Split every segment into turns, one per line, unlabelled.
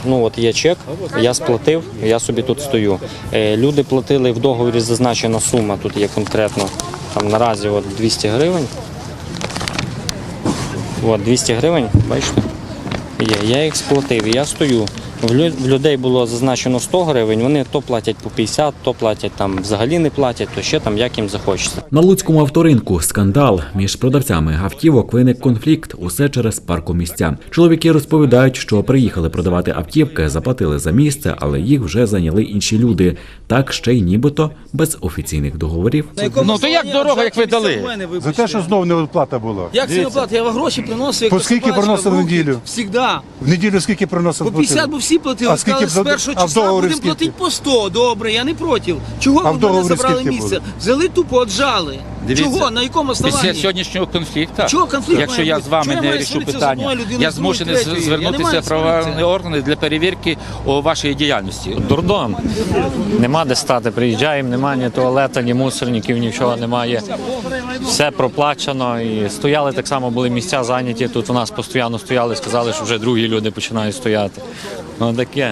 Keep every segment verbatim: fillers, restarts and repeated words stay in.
ну от є чек, я сплатив, я собі тут стою. Люди платили, в договорі зазначена сума, тут є конкретно, там наразі от двісті гривень. От двісті гривень, бачите, є, я їх сплатив, я стою. В людей було зазначено сто гривень, вони то платять по п'ятдесят, то платять там взагалі не платять, то ще там як їм захочеться.
На Луцькому авторинку скандал. Між продавцями автівок виник конфлікт, усе через паркомісця. Чоловіки розповідають, що приїхали продавати автівки, заплатили за місце, але їх вже зайняли інші люди. Так ще й нібито без офіційних договорів.
Ну то як дорога, як ви дали?
За те, що знову неоплата була.
Як це неоплата? Я вам гроші приносив,
По скільки приносили в неділю?
Всігда.
В неділю скільки приносили?
По п'ятдесят, бо всі платили.
А скільки
сказали, з першого числа будемо платити по сто. Добре, я не проти. Чого ви мене забрали місце? Взяли тупо, отжали. Чого? На якому основанні?
Після сьогоднішнього конфлікту,
Чого конфлікт
якщо я з вами не рішу питання, я змушений звернутися в правоохоронні органи для перевірки вашої діяльності.
Дурдом. Нема де стати, приїжджаємо, немає ні туалета, ні мусорників, нічого немає. Все проплачено і стояли так само, були місця зайняті, тут у нас постійно стояли, сказали, що вже другі люди починають стояти. Ну таке.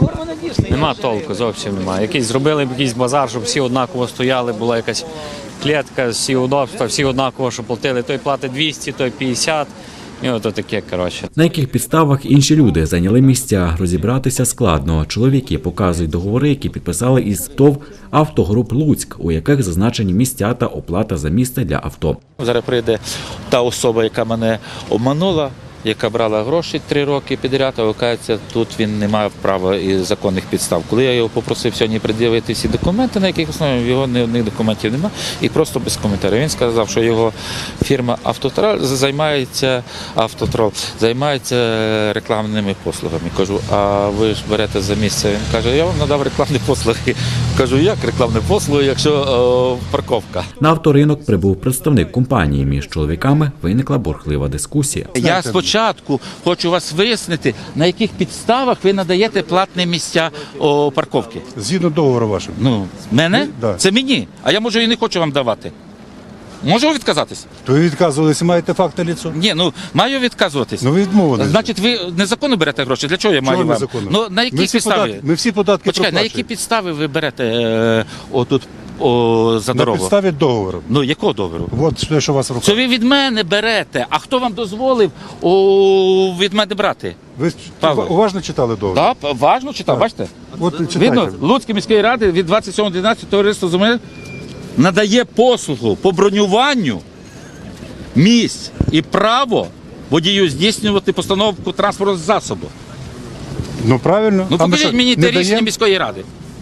Нема толку, зовсім немає. Якийсь зробили б якийсь базар, щоб всі однаково стояли, була якась клітка, всі удобства, всі однаково, що платили. Той платить двісті, той п'ятдесят. І ото таке, коротше.
На яких підставах інші люди зайняли місця, розібратися складно. Чоловіки показують договори, які підписали із ТОВ «Автогруп Луцьк», у яких зазначені місця та оплата за місце для авто.
Зараз прийде та особа, яка мене обманула, яка брала гроші три роки підряд, а виявляється, тут він не має права і законних підстав. Коли я його попросив сьогодні пред'явити всі документи, на яких основі, його ні одних документів немає, і просто без коментарів. Він сказав, що його фірма «Автотрол» займається, «Автотрол» займається рекламними послугами. Кажу, а ви ж берете за місце? Він каже, я вам надав рекламні послуги. Кажу, як рекламні послуги, якщо о, парковка?
На авторинок прибув представник компанії. Між чоловіками виникла бурхлива дискусія.
Я спочатку хочу вас вияснити, на яких підставах ви надаєте платні місця о, парковки.
Згідно договору вашого.
Ну, мене?
Да.
Це мені. А я, може, і не хочу вам давати. Можу відказатись?
То ви відказувалися, маєте факт на ліцо?
Ні, ну, маю відказуватись.
Ну ви відмовилися.
Значить, ви незаконно берете гроші? Для чого я маю
Чого
вам?
незаконно?
Ну, на які
Ми всі
підстави?
податки, ми всі податки
Почекай, на
проплачуємо.
які підстави ви берете е, отут о, за
На
дорогу?
підставі договору.
Ну, якого договору?
От те, що у вас в руках.
Це ви від мене берете. А хто вам дозволив о, від мене брати?
Ви
Павло.
уважно читали договор?
Так, важно читав, бачите?
От читайте.
Видно, Луцької міської ради від двадцять сьомого дванадцятого товариство земель надає послугу по бронюванню місць і право водію здійснювати постановку транспортного засобу.
Ну правильно.
Ну
А ми
покажіть
що,
мені
не
те рішення
даємо?
міської ради.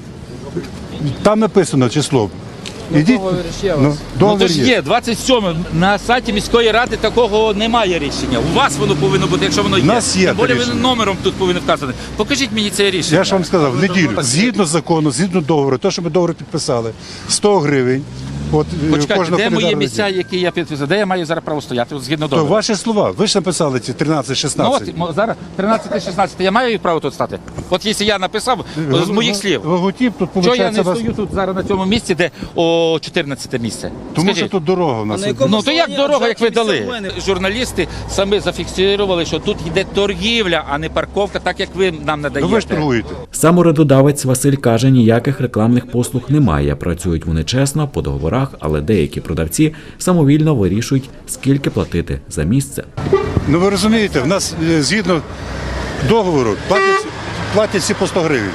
Там написано число. Ідіть. Ну,
Ну
договір
то ж є, двадцять сьоме, на сайті міської ради такого немає рішення. У вас воно повинно бути, якщо воно є.
У нас є
Тим більше
рішення.
ви номером тут повинні вказати. Покажіть мені це рішення.
Я ж вам сказав, в неділю, згідно закону, згідно договору, те, що ми договор підписали, сто гривень. От, е,
Почекайте,
кожного
де мої
календарного
місця,
дня.
які я підписав? Де я маю зараз право стояти? От згідно
То
договору.
ваші слова, ви ж написали ці тринадцять
Ну
шістнадцять.
от мо- зараз тринадцяте шістнадцяте, я маю право тут стати? От якщо я написав з моїх слів.
Логотип тут
Чого я
виходить
не
вас...
стою тут зараз на цьому місці, де о чотирнадцяте місце?
Тому що
Скажіть.
тут дорога у нас.
А на якому
Ну то як
основанні
дорога, як ви
обжалують місця
дали?
в мене?
Журналісти самі зафіксували, що тут йде торгівля, а не парковка, так як ви нам
Ну
надаєте.
ви ж торгуєте.
Сам уредодавець Василь каже, ніяких рекламних послуг немає. Працюють вони чесно, по договорах, але деякі продавці самовільно вирішують, скільки платити за місце.
Ну ви розумієте, в нас е, згідно договору платять, платять всі по сто гривень.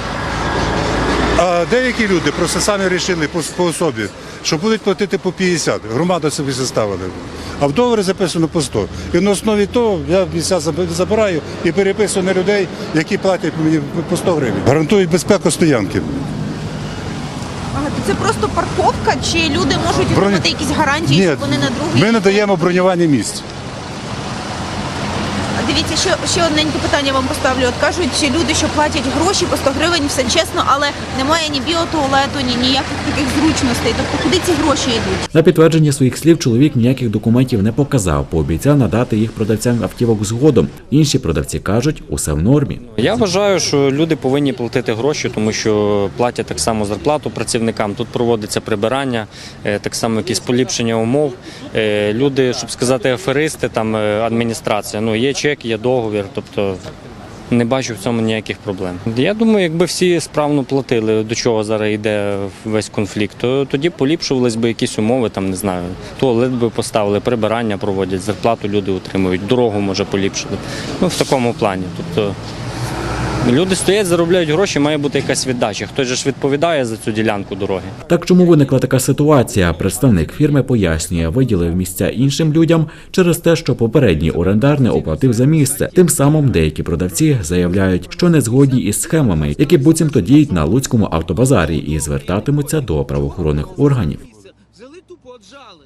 А деякі люди просто самі вирішили по, по особі, що будуть платити по п'ятдесят. Громада собі заставили. А в договорі записано по сто. І на основі того я місця забираю і переписую на людей, які платять мені по сто гривень. Гарантують безпеку стоянки.
Ага, то це просто парковка, чи люди можуть
Броня-
отримати якісь гарантії,
Ні,
що вони на другий?
ми надаємо бронювання місць.
Дивіться, ще, ще одненьке питання вам поставлю. От кажуть, що люди, що платять гроші по сто гривень, все чесно, але немає ні біотуалету, ні ніяких таких зручностей. Тобто куди ці гроші йдуть?
На підтвердження своїх слів чоловік ніяких документів не показав, пообіцяв надати їх продавцям автівок згодом. Інші продавці кажуть, усе в нормі.
Я вважаю, що люди повинні платити гроші, тому що платять так само зарплату працівникам. Тут проводиться прибирання, е, так само якісь поліпшення умов. Е, Люди, щоб сказати, аферисти, там е, адміністрація. Ну є чек, є договір. Тобто
Не бачу в цьому ніяких проблем. Я думаю, якби всі справно платили, до чого зараз йде весь конфлікт, то тоді поліпшувались би якісь умови, там, не знаю, туалет би поставили, прибирання проводять, зарплату люди отримують, дорогу, може, поліпшили. Ну, в такому плані. Тобто люди стоять, заробляють гроші, має бути якась віддача. Хтось же ж відповідає за цю ділянку дороги.
Так чому виникла така ситуація? Представник фірми пояснює, виділив місця іншим людям через те, що попередній орендар не оплатив за місце. Тим самим деякі продавці заявляють, що не згодні із схемами, які буцімто діють на Луцькому автобазарі і звертатимуться до правоохоронних органів.
Взяли тупо, отжали.